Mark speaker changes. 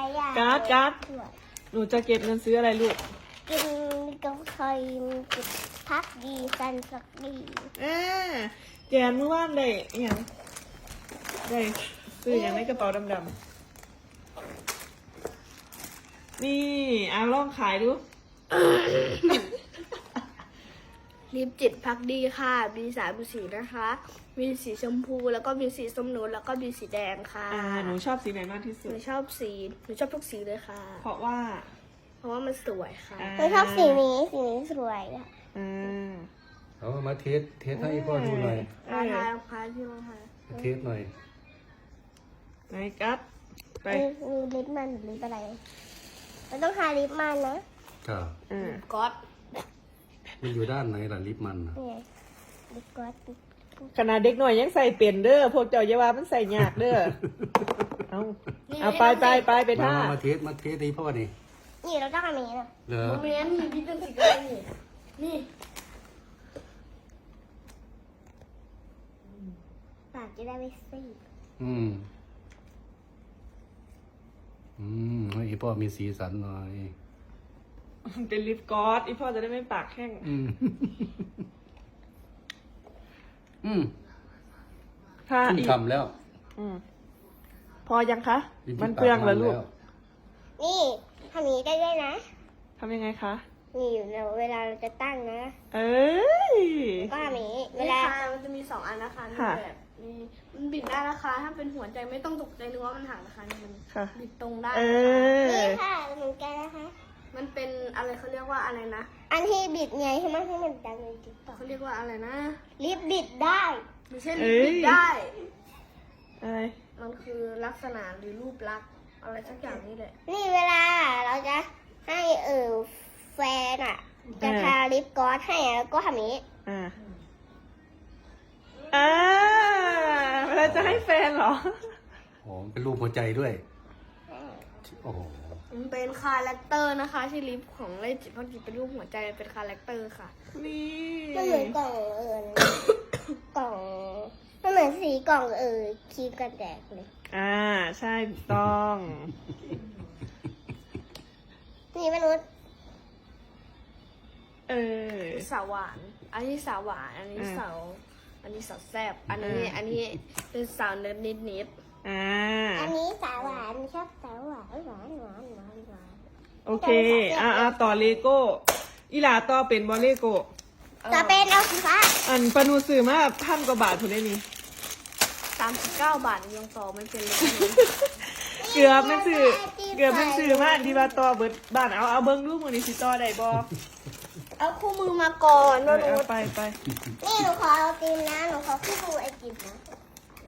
Speaker 1: อย่าง
Speaker 2: การ์ดหนูจะเก็บเงินซื้ออะไรลูก
Speaker 1: กินกาแฟกินพักดีสันสักดี
Speaker 2: แกนเมื่อวานได้อย่างได้ซื้ออย่างในกระเป๋าดำๆนี่ลองขายดู
Speaker 3: ลิปจิตพักดีค่ะมี3 สีนะคะ มีสีชมพูแล้วก็มีสีส้มนูนแล้วก็มีสีแดงค่ะ
Speaker 2: หนูชอบสีไหนมากที่สุ
Speaker 3: ห
Speaker 2: ด
Speaker 3: นูชอบทุกสีเลยค่ะ
Speaker 2: เพราะว่า
Speaker 3: เพราะว่ามันสวยค่ะ
Speaker 1: หนูชอบสีนี้สวยอะ
Speaker 4: เอามาเทสให้พ่อดูหน่อย
Speaker 3: ทาที่ลงทา
Speaker 4: เทสหน่อย
Speaker 2: ไหนกัดไป
Speaker 1: มีลิปมันหรือลิปอะไรมันต้องทาลิปมันนะครับ
Speaker 3: ก๊อต
Speaker 4: มันอยู่ด้านไหนล่ะลิปมันน่ะ
Speaker 1: นี่ลิปก๊อต
Speaker 2: ขนาดเด็กหน่อยยังใส่เปลี่ยนเด้อพวกเจ้าเยาวามันใส่ยากเด้อเอาไปท่า
Speaker 4: มาเทสให้พ่อนี่
Speaker 1: นี่เราต้องทำอย่างนี้นะ
Speaker 4: เหรอ
Speaker 3: โมเมนต์มีพิษเป็นสีอะไรนี่
Speaker 1: ปากจะได้ไม่ซีด
Speaker 4: ให้พ่อมีสีสันหน่อย
Speaker 2: เป็นลิปกลอสอีพ่อจะได้ไม่ปากแห้ง ถ้า
Speaker 4: ขึ้น
Speaker 2: อีก
Speaker 4: คำแล้ว
Speaker 2: พอยังคะ
Speaker 4: ลิ้
Speaker 2: มัน
Speaker 4: ที่
Speaker 2: เปลืองเหรอลูก
Speaker 4: ปา
Speaker 1: นี่ทำอย่างนี้ได้ด้วยนะ
Speaker 2: ทำยังไงคะ
Speaker 1: นี่อยู่เวลาเราจะตั้งนะ
Speaker 2: เอ้ย
Speaker 1: ก็ทำอย่างนี้เว
Speaker 3: เว
Speaker 1: ลา
Speaker 3: ลามันจะมี2 อันนะคะมี
Speaker 2: ค่ะ
Speaker 3: แบบมีมันบิดได้นะคะ ถ้าเป็นหัวใจไม่ต้องตกใจนึกว่ามันหักนะคะนี่มัน
Speaker 2: ค่ะ
Speaker 3: บิดตรงได้
Speaker 2: เอ
Speaker 3: นะคะ
Speaker 2: อ
Speaker 1: นี่ค่ะเหมือนกันนะคะ
Speaker 3: มันเป็นอะไรเขาเรียกว่าอะไรนะ
Speaker 1: อันที่บิดไงใช่ไหมให้มันดังในติ๊กต็อก
Speaker 3: เขาเรียกว่าอะไรนะ
Speaker 1: ลิปบิดได้
Speaker 3: ไม่ใช่ลิปบิดได้
Speaker 2: อะไร
Speaker 3: มันคือลักษณะหรือรูปลักษณ์อะไรสักอย่างนี่แหละ
Speaker 1: นี่เวลาเราจะให้แฟนจะทาลิปกลอสให้แล้วก็ทำอย่างนี้
Speaker 2: เวลาจะให้แฟนเหรอ
Speaker 4: โอ้เป็นรูปหัวใจด้วย โอ้โห
Speaker 3: มันเป็นคาแรคเตอร์นะคะที่ลิปของเลจิตพักจิตเป็นรูปหัวใจเป็นคาแรคเตอร์ค่ะ
Speaker 2: นี่
Speaker 1: มันเหมือนกล่องกล่องมันเหมือนสีกล่องครีมกันแดดเลย
Speaker 2: ใช่ถูกต้อง
Speaker 1: นี่มนุษย์
Speaker 3: สาวหวาน อันนี้สาวหวาน อันนี้สาวแซ่บ อันนี้เป็นสาวเนิร์ดนิด
Speaker 1: อันนี้สาวหวานชอบสาวหวานหวานหวานหวานหวาน
Speaker 2: โอเคต่อเลโก้อีหลาต่อเป็นบอลเลโก้
Speaker 1: จะเป็นเอาสีฟ้า
Speaker 2: อันปนูซื้อมา1,000 กว่าบาทถูกได้นี่
Speaker 3: 39 บาทยังต่อไม่เป็นเลย
Speaker 2: เกือบมันซื้อมาอันที่ว่าต่อเบิดบ้านเอาเบิ้งรูปมือนี้สิต่อได้บ่
Speaker 3: เอาคู่มือมาก่อน
Speaker 2: เอาไป
Speaker 1: นี่หนูขอเอาติมนะหนูขอคู่มือไอติมนะ